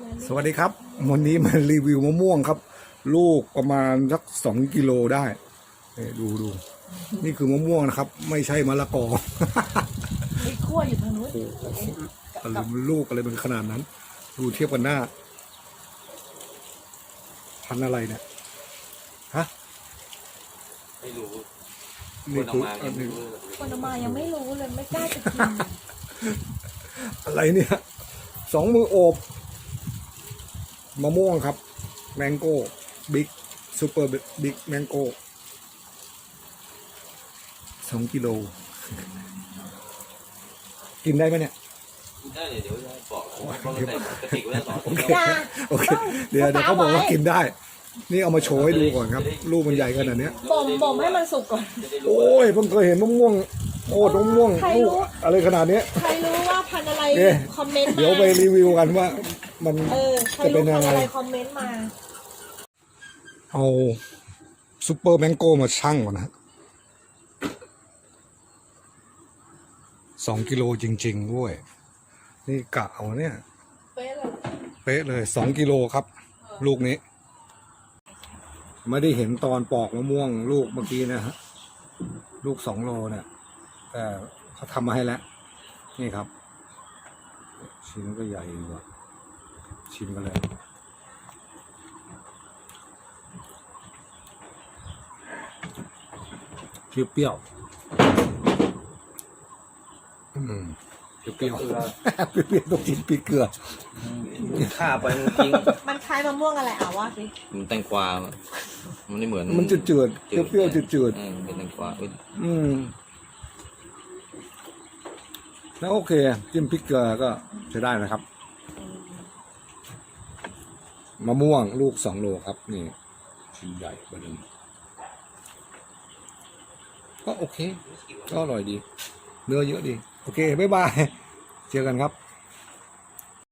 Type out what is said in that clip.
สวัสดีครับวันนี้มารีวิวมะม่วงครับ ลูกประมาณสัก2 กิโลได้ดูนี่คือมะม่วงนะครับ ไม่ใช่มะละกอไอ้ขั้วอยู่ทางนู้นอะไรมันลูกอะไรเป็นขนาดนั้น ดูเทียบกันหน้า พันธุ์อะไรเนี่ยฮะไม่รู้นี่คือคนเอามายังไม่รู้เลยไม่กล้าจะกินอะไรเนี่ย2 มือโอบมะม่วงครับแมงโก้บิ๊กซูเปอร์บิ๊กแมงโก้2 กิโล กินได้ไหมเนี่ยได้เดี๋ยวจะบอกว่าใส่กระติกไว้สองโอเคโอเคเดี๋ยวเขาบอกว่ากินได้ นี่เอามาโชว์ให้ดูก่อนครับ ลูกมันใหญ่ขนาดนี้บ่มให้มันสุกก่อนโอ้ยเพิ่งเคยเห็นมะม่วงโอ้มะม่วงลูกอะไรขนาดนี้ใครรู้ว่าพันธุ์อะไรเนี่ยคอมเมนต์มาเดี๋ยวไปรีวิวกันว่า มันใครจะเป็รู้นพัยันงธุ์ไงอะไรคอมเมนต์มาเอาซูเปอร์แมงโก้มาชั่งก่อนนะ2 กิโลจริงๆด้วยนี่กะเอาเนี่ยเป๊ะเลยเป๊ะเลย2 กิโลครับ ลูกนี้ ไม่ได้เห็นตอนปอกมะม่วงลูกเมื่อกี้นะฮะลูก2 โลเนี่ยแต่เขาทำมาให้แล้ว นี่ครับ ชิ้นก็ใหญ่กว่าชิมกันเลยเปรี้ยวเปรี้ยวเปรี้ยวต้องกินพริกเกลือฆ่าไปจริงมันคล้ายมะม่วงอะไรว่าสิมันแตงกวามันไม่เหมือนมันจืดๆเปรี้ยวๆจืดเป็นแตงกวาแล้วโอเคจิ้มพริกเกลือก็ใช้ได้นะครับมะม่วงลูก2 โลครับนี่ชิ้นใหญ่ประเด็นก็โอเคก็อร่อยดีเนื้อเยอะดีโอเคบ๊ายบายเจอกันครับ